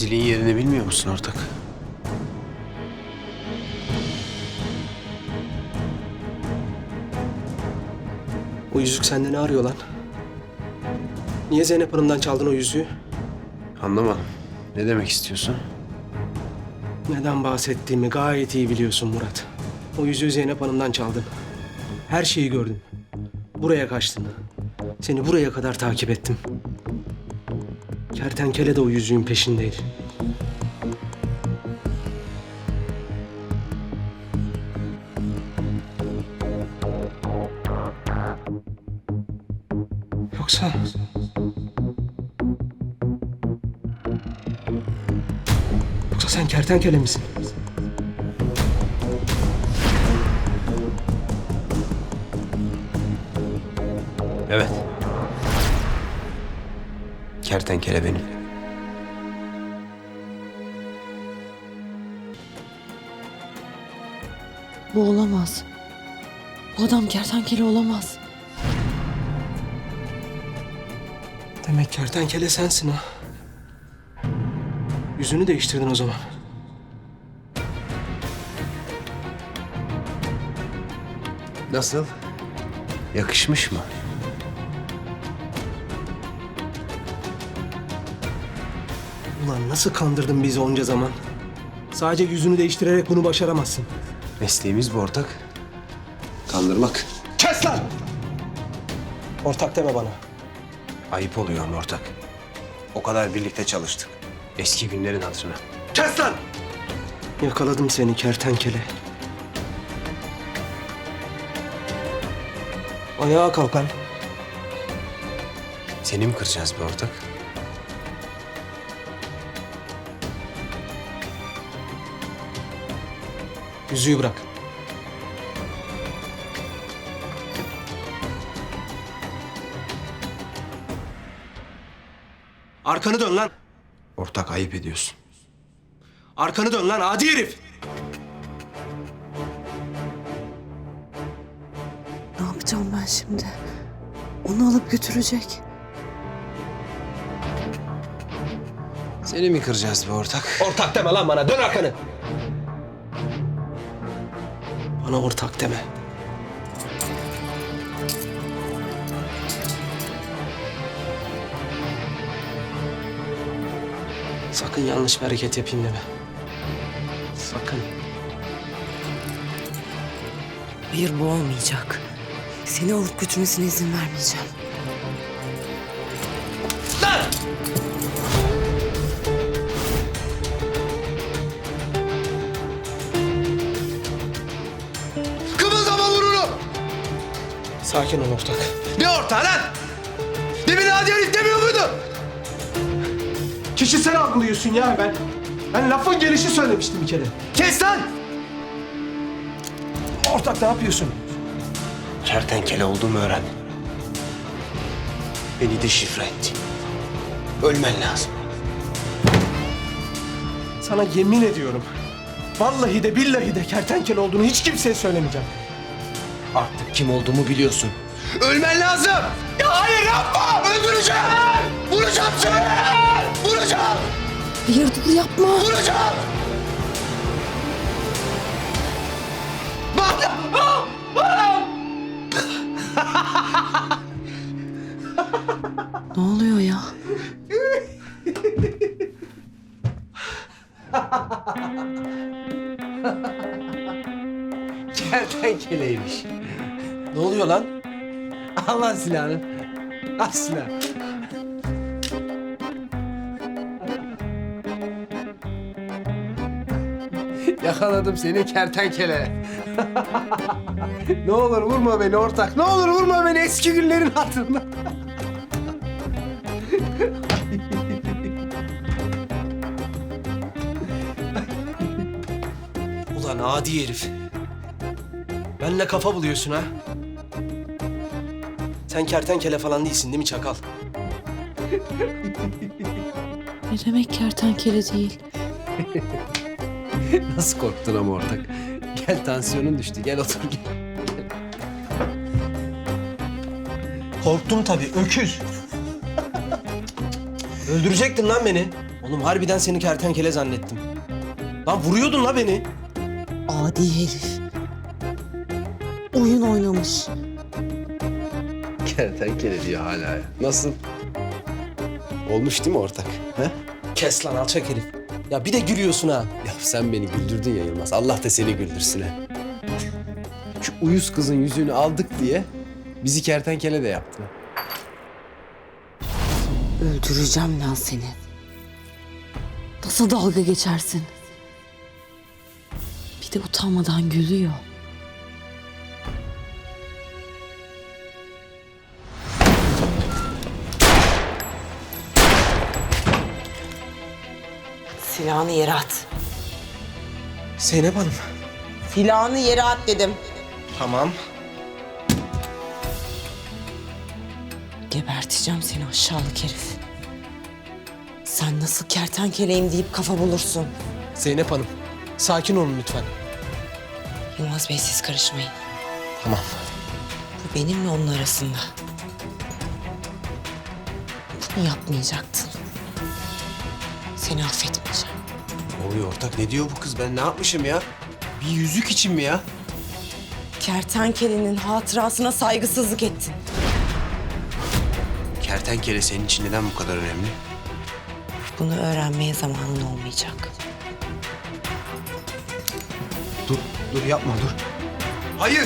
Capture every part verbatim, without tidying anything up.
Zilin yerini bilmiyor musun ortak? O yüzük sende ne arıyor lan? Niye Zeynep Hanım'dan çaldın o yüzüğü? Anlamadım. Ne demek istiyorsun? Neden bahsettiğimi gayet iyi biliyorsun Murat. O yüzüğü Zeynep Hanım'dan çaldın. Her şeyi gördüm. Buraya kaçtın. Seni buraya kadar takip ettim. Kertenkele de o yüzüğün peşindeydi. Yoksa... Yoksa sen kertenkele misin? Evet. Kertenkele benim. Bu olamaz. Bu adam kertenkele olamaz. Demek kertenkele sensin ha. Yüzünü değiştirdin o zaman. Nasıl? Yakışmış mı? Ulan nasıl kandırdın bizi onca zaman? Sadece yüzünü değiştirerek bunu başaramazsın. Mesleğimiz bu ortak. Kandırmak. Kes lan! Ortak deme bana. Ayıp oluyor ama ortak. O kadar birlikte çalıştık. Eski günlerin hatırına. Kes lan! Yakaladım seni kertenkele. Ayağa kalk lan. Seni mi kıracağız be ortak? Yüzüğü bırak. Arkanı dön lan. Ortak ayıp ediyorsun. Arkanı dön lan adi herif. Ne yapacağım ben şimdi? Onu alıp götürecek. Seni mi kıracağız be ortak? Ortak deme lan bana. Dön arkanı. Bana ortak deme. Sakın yanlış bir hareket yapayım deme. Sakın. Hayır, bu olmayacak. Seni alıp götürmesine izin vermeyeceğim. Kımıldama vurunu! Sakin ol ortak. Ne ortağı lan? Demin hadi herif demiyor muydu? Kişisel algılıyorsun ya ben. Ben lafın gelişi söylemiştim bir kere. Kes lan! Ortak ne yapıyorsun? Kertenkele olduğumu öğren. Beni de şifre etti. Ölmen lazım. Sana yemin ediyorum. Vallahi de billahi de kertenkele olduğunu hiç kimseye söylemeyeceğim. Artık kim olduğumu biliyorsun. Ölmen lazım! Ya hayır yapma! Öldüreceğim! Vuracağım seni! Vuracağım! Hayır, dur yapma. Vuracağım! Bak! Ne oluyor ya? Kertenkeleymiş. Ne oluyor lan? Al lan silahını. Al silahı. Yakaladım seni kertenkele. Ne olur vurma beni ortak. Ne olur vurma beni eski günlerin hatırına. Ulan adi herif. Benle kafa buluyorsun ha? Sen kertenkele falan değilsin değil mi çakal? Ne demek kertenkele değil? Nasıl korktun ama ortak? Gel tansiyonun düştü. Gel otur gel. Korktum tabii öküz. Öldürecektin lan beni. Oğlum harbiden seni kertenkele zannettim. Lan vuruyordun la beni. Adi herif. Oyun oynamış. Kertenkele diyor hala ya. Nasıl? Olmuş değil mi ortak? He? Kes lan alçak herif. Ya bir de gülüyorsun ha. Ya sen beni güldürdün ya Yılmaz. Allah da seni güldürsün ha. Şu uyuz kızın yüzüğünü aldık diye bizi kertenkele de yaptı. Öldüreceğim lan seni. Nasıl dalga geçersin? Bir de utanmadan gülüyor. Silahını yere at. Zeynep Hanım. Silahını yere at dedim. Tamam. Geberteceğim seni aşağılık herif. Sen nasıl kertenkeleyim deyip kafa bulursun. Zeynep Hanım. Sakin olun lütfen. Yılmaz Bey siz karışmayın. Tamam. Bu benimle onun arasında. Bunu yapmayacaktın. Seni affetmeyeceğim. Ne oluyor ortak? Ne diyor bu kız? Ben ne yapmışım ya? Bir yüzük için mi ya? Kertenkelenin hatırasına saygısızlık ettin. Kertenkele senin için neden bu kadar önemli? Bunu öğrenmeye zamanın olmayacak. Dur, dur yapma dur. Hayır!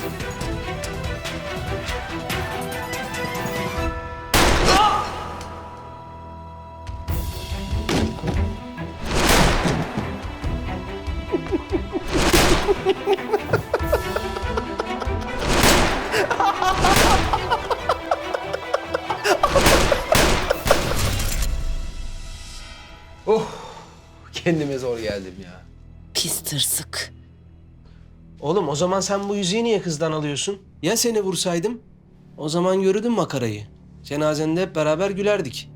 Oh, kendime zor geldim ya. Pis tırsık. Oğlum o zaman sen bu yüzüğü niye kızdan alıyorsun? Ya seni vursaydım? O zaman görürdün makarayı. Cenazende hep beraber gülerdik.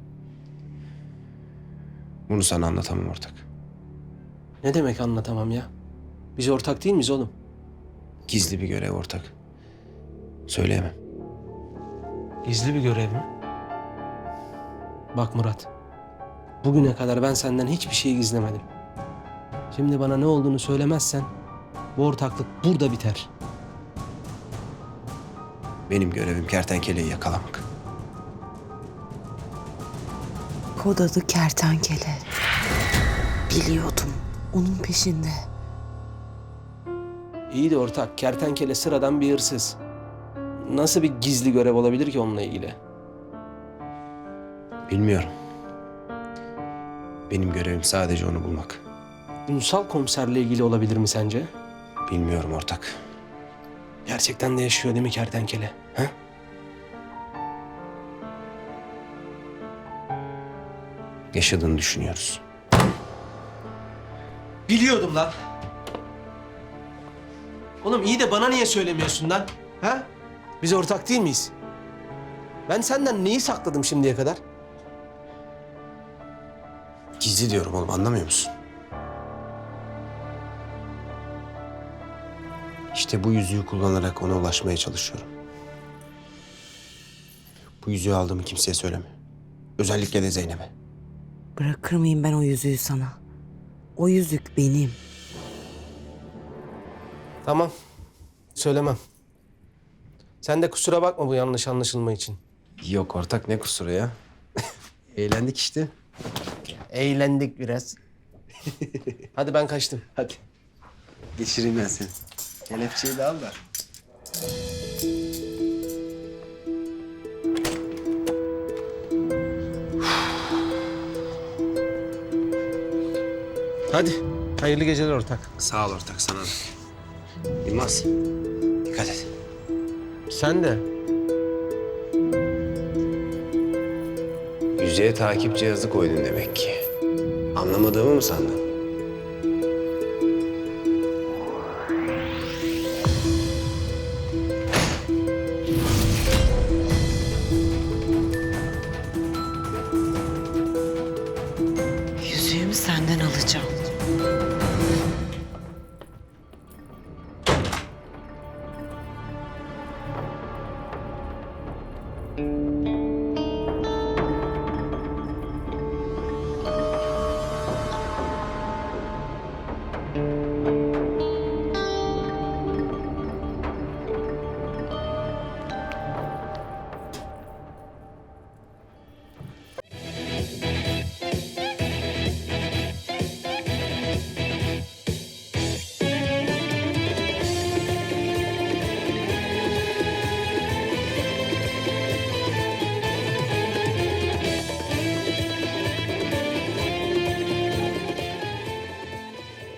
Bunu sana anlatamam ortak. Ne demek anlatamam ya? Biz ortak değil miyiz oğlum? Gizli bir görev ortak. Söyleyemem. Gizli bir görev mi? Bak Murat. Bugüne kadar ben senden hiçbir şey gizlemedim. Şimdi bana ne olduğunu söylemezsen bu ortaklık burada biter. Benim görevim kertenkeleyi yakalamak. Kod adı Kertenkele. Biliyordum. Onun peşinde. İyi de ortak, kertenkele sıradan bir hırsız. Nasıl bir gizli görev olabilir ki onunla ilgili? Bilmiyorum. Benim görevim sadece onu bulmak. Ünsal komiserle ilgili olabilir mi sence? Bilmiyorum ortak. Gerçekten de yaşıyor değil mi kertenkele? He? Yaşadığını düşünüyoruz. Biliyordum lan. Oğlum iyi de bana niye söylemiyorsun lan? Ha? Biz ortak değil miyiz? Ben senden neyi sakladım şimdiye kadar? Gizli diyorum oğlum, anlamıyor musun? İşte bu yüzüğü kullanarak ona ulaşmaya çalışıyorum. Bu yüzüğü aldığımı kimseye söyleme. Özellikle de Zeynep'e. Bırakır mıyım ben o yüzüğü sana? O yüzük benim. Tamam. Söylemem. Sen de kusura bakma bu yanlış anlaşılma için. Yok ortak, ne kusuru ya? Eğlendik işte. Eğlendik biraz. Hadi ben kaçtım. Hadi. Geçireyim ben seni. Kelepçeyi de al da. Hadi. Hayırlı geceler ortak. Sağ ol ortak, sana da. Yılmaz, dikkat et. Sen de. Yüzeye takip cihazı koydun demek ki. Anlamadığımı mı sandın? Yüzüğümü senden alacağım. Hadi.